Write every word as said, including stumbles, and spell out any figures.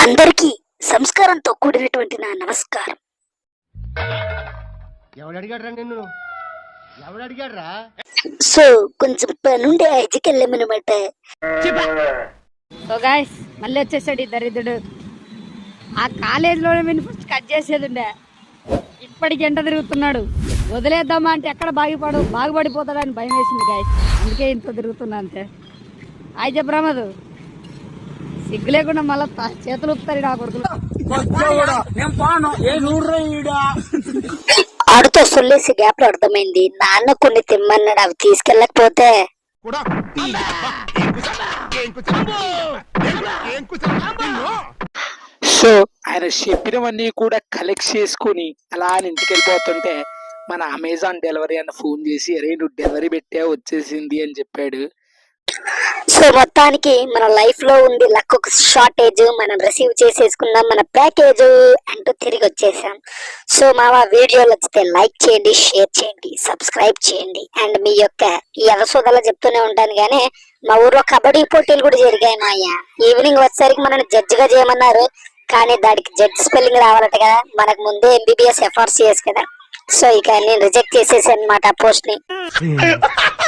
అందరికీ సంస్కారంతో కూడినటువంటి నా నమస్కారం. ఎవడు అడిగాడ్రా నిన్ను? ఎవడు అడిగాడ్రా? సో కొంచెం పనుండే ఐజికి వెళ్ళామన్నమాట. సో గాయస్ మళ్ళీ వచ్చేసాడు ఈ దరిద్రుడు. ఆ కాలేజీలో ఫస్ట్ కట్ చేసేది ఉండే, ఇప్పటికి ఎంట తిరుగుతున్నాడు. వదిలేద్దామా అంటే ఎక్కడ బాగుపడు బాగుపడిపోతాడని భయం వేసింది గాయస్, అందుకే ఇంత తిరుగుతున్నా అంతే. హాయ్ చెప్పరామదు, సిగ్గు లేకుండా మళ్ళీ చేతులు ఊపుతారు నా కొడుకులు. ఆడుతో సొల్లేసి గ్యాప్ లో అర్థమైంది నాన్న కొన్ని తిమ్మన్నాడు, అవి తీసుకెళ్ళకపోతే సో ఆయన చెప్పినవన్నీ కూడా కలెక్ట్ చేసుకుని అలా ఇంటికి వెళ్ళిపోతుంటే మన అమెజాన్ డెలివరీ అని ఫోన్ చేసి అరే నువ్వు డెలివరీ పెట్టే వచ్చేసింది అని చెప్పాడు. సో మొత్తానికి మన లైఫ్ లో ఉండి లక్ ఒక షార్టేజ్, మనం రిసీవ్ చేసేసుకున్నాం మన ప్యాకేజ్ అంటూ తిరిగి వచ్చేసాం. సో మా వీడియోలు వచ్చితే లైక్ చేయండి, షేర్ చేయండి, సబ్స్క్రైబ్ చేయండి. అండ్ మీ యొక్క ఈ అవసోదాలు చెప్తూనే ఉంటాను. కానీ మా ఊర్లో కబడ్డీ పోటీలు కూడా జరిగాయి మాయ. ఈవినింగ్ వచ్చేసరికి మనల్ని జడ్జిగా చేయమన్నారు, కానీ దానికి జడ్జ్ స్పెల్లింగ్ రావాలట కదా, మనకు ముందే ఎంబీబీఎస్ ఎఫ్ఆర్సిఎస్ కదా. సో ఇక నేను రిజెక్ట్ చేసేసాను అనమాట పోస్ట్ ని.